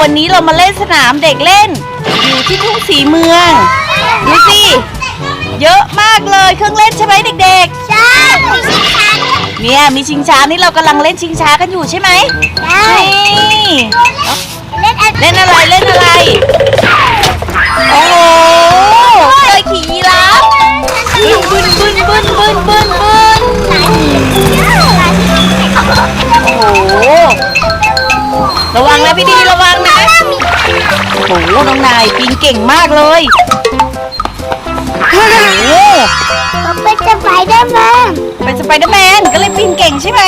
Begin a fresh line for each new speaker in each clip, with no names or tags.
วันนี้เรามาเล่นสนามเด็กเล่นอยู่ที่ทุ่งศรีเมืองดูสิเยอะมากเลยเครื่องเล่นใช่ไหมเด็กๆ
ใช่มีชิงช้า
เนี่ยมีชิงช้านี่เรากำลังเล่นชิงช้ากันอยู่ใช่ไหม
ใช่เล่น
อะไรเล่นอะไรโอ้โหเคยขี่ยีราฟบึนโอ้โหระวังนะพี่ดีระวังนะโอ้โหน้องนายปีนเก่งมากเลยโอ้โห
เขาเป็นสไปเดอร์แมน
ก็เลยปีนเก่งใช่ไหม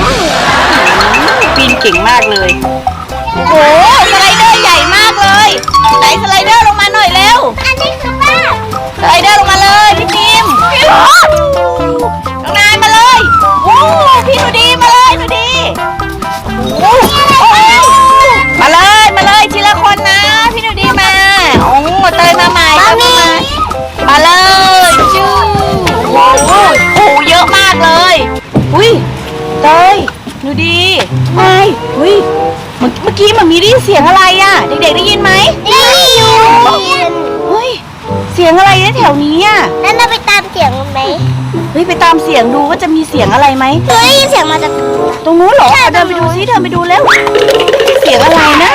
ปีนเก่งมากเลยโอ้สไลเดอร์ใหญ่มากเลยไหนสไลเดอร์ลงมาหน่อยเร็ว
อันนี้คือบ้า
สไลเดอร์ลงมาเลยพี่จิมน้องนายมาเลยโอ้พี่หนูดีมาเลยหนูดีมาเลยทีละคนนะพี่หนูดีมาโอ้เตยมาใหม่มาเลยจู้โอ้โหเยอะมากเลยอุ้ยเตยหนูดีไม่อุ้ยเมื่อกี้มันมีได้ยินเสียงอะไรอ่ะเด็กๆได้ยินไหม
ได้ยิน
เฮ้ยเสียงอะไรนะแถวนี้อ่ะ
แล้วเราไปตามเสียงมันไหม
เฮ้ยไปตามเสียงดูว่าจะมีเสียงอะไรไหม
ได้ยินเสียงมาจาก
ตรงนู้นเหรอเดินไปดูซิเดินไปดูแล้วเสียงอะไรนะ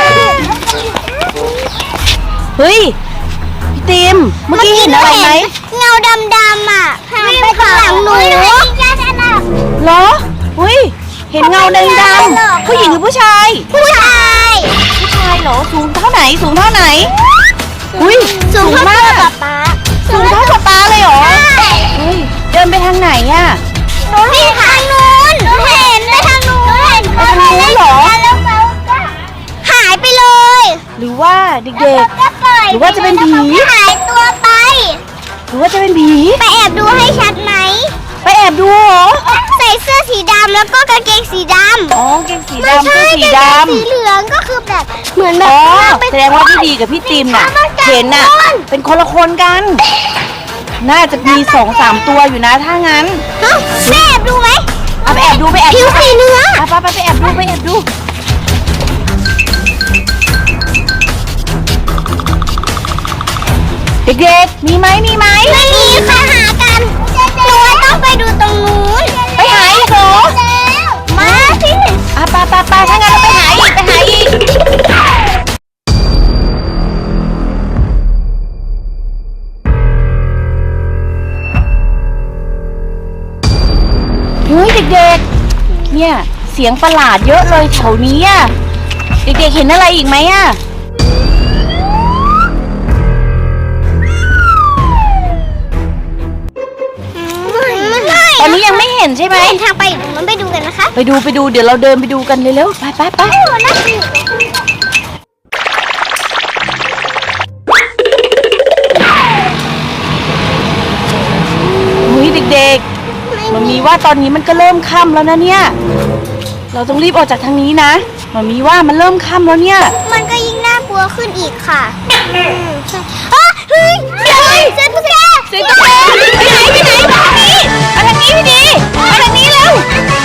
เฮ้ยพี่ติมเมื่อกี้เห็นอะไรไหม
เงาดำๆอ่ะผ่านไปข้างหลังหนู
เหรอเฮ้ยเห็นเงาดำๆผู้หญิงหรือผู้ชาย
ผู้ชาย
เหรอสูงเท่าไหนอุ้ย
สูงมากป๊า
สูงเท่าป๊าเลยเหรอเฮ้ยเดินไปทางไหนอ่ะ
หนูเห็นทางนู้นหนูเห็นไปทางนู้น
ไปทางนู้นเหรอ
หายไปเลย
หรือว่าเด็กๆหรือว่าจะเป็นผี
หายตัวไป
หรือว่าจะเป็นผี
ไปแอบดูให้ชัดไหม
ไปแอบดูเหรอ
ใส่เสื้อสีดำแล้วก็กางเกงสีดำ
อ๋อกางเกงสีดำเสื้อสีดำ
สีเหลืองก็คือแบบเหมือนแบบ
แสดงว่าพี่ดีกับพี่ติมน่ะเห็นน่ะเป็นคนละคนกันน่าจะมี 2-3 ตัวอยู่นะถ้างั้น
แม่แอบดูไหม
ไปแอบดู
ผิวสีเนื้อ
ไปแอบดูเด็กๆมีไหม
ไม่มีค่ะหากันหนูต้องไปดูตรงนู้น
ไปหาอีกเหรอ
มาสิ
ไปถ้างั้นเราไปหาอีกเฮ้ยเด็กๆเนี่ยเสียงประหลาดเยอะเลยแถวนี้อ่ะเด็กๆเห็นอะไรอีกไหมอ่ะตอนนี้ยังไม่เห็นใช่ไหม
ทางไปมันไปดูกันนะคะ
ไปดูเดี๋ยวเราเดินไปดูกันเร็วๆไปเฮ้ยเด็กๆมันมีว่าตอนนี้มันก็เริ่มค่ำแล้วนะเนี่ยเราต้องรีบออกจากทางนี้นะมันมีว่ามันเริ่มค่ำแล้วเนี่ย
มันก็ยิ่งน่ากลัวขึ้นอีกค่ะเฮ้ยเสียงตุ๊กแก
ไปไหนมาทางนี้พี่ดีมาทางนี้เร็ว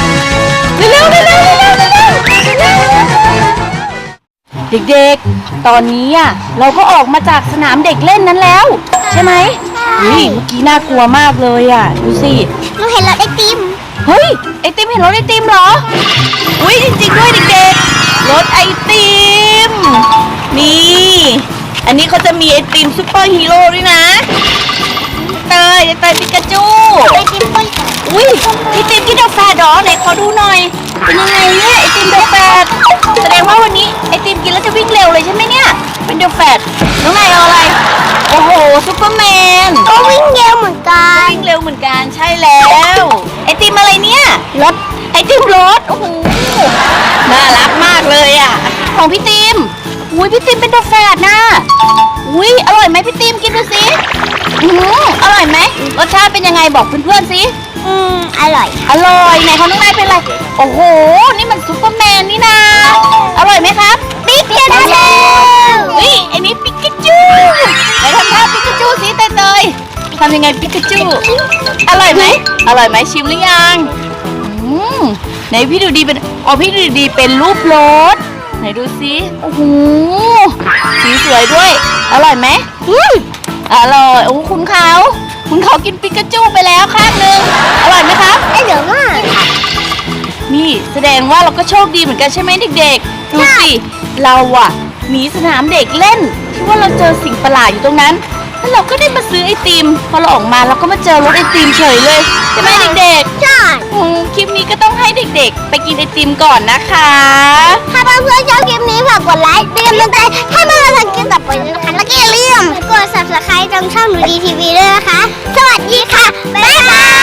เด็กๆตอนนี้อ่ะเราก็ออกมาจากสนามเด็กเล่นนั้นแล้วใช่ไหมเฮ้ยเมื่อกี้น่ากลัวมากเลยอ่ะดูสิ
หนูเห็นรถไอติม
เฮ้ยไอติมเห็นรถไอติมเหรออุ้ยจริงๆด้วยเด็กๆรถไอติมนี่อันนี้เขาจะมีไอติมซุปเปอร์ฮีโร่ด้วยนะเตยปิกาจู
ไอติมปุ้ย
อุ้ยไอติมที่เดอะแฟร์ดอไหนขอดูหน่อยเป็นยังไงเนี่ยไอติมเดอะแฟร์แสดงว่าวันนี้ไอติมกินแล้วจะวิ่งเร็วเลยใช่ไหมเนี่ยเป็นเดอะแฟร์น้องนายเอาอะไรโอ้โหซุปเปอร์แมน
ก็วิ่งเร็วเหมือน
กันใช่แล้วไอติมอะไรเนี่ย
รถ
ไอติมรถโอ้โหน่ารักมากเลยอ่ะของพี่ติมอุ้ยพี่ติมเป็นเดอะแฟร์นะอุ้ยอร่อยไหมพี่ติมกินดูสิอร่อยไหมรสชาติเป็นยังไงบอกเพื่อนๆสิ
อร่อย
ไหนของน้องนายเป็นอะไรโอ้โหนี่มันซุปเปอร์แมนนี่นาอร่อยไหมครับ
ปิกาจู
เฮ้ยไอ้นี่ปิกาจูไหนทำท่าปิกาจูสิเตยทำยังไงปิกาจูอร่อยไหมชิมหรือยังไหนพี่ดูดีเป็นพี่ดูดีเป็นรูปรถไหนดูสิโอ้โหสีสวยด้วยอร่อยไหมอร่อยโอ้คุณเขากินปิกาจูไปแล้วข้างหนึ่งอร่อยไหมครับ
เดี๋ยวว่า
นี่แสดงว่าเราก็โชคดีเหมือนกันใช่ไหมเด็กๆดูสิเราอะหนีสนามเด็กเล่นที่ว่าเราเจอสิ่งประหลาดอยู่ตรงนั้นแล้วเราก็ได้มาซื้อไอติมพอเราออกมาเราก็มาเจอรถไอติมเฉยเลยใช่ไหมเด็กๆ
ใช่
คลิปนี้ก็ต้องให้เด็กๆไปกินไอติมก่อนนะคะ
ถ้าเพื่อนๆชอบคลิปนี้ฝากกดไลค์เป็นกำลังใจให้เพื่อนๆทำคลิปต่อไปด้วยนะคะแล้วก็อย่าลืมกด subscribe ตรงช่องหนูดีทีวีด้วยนะคะสวัสดีค่ะบ๊ายบาย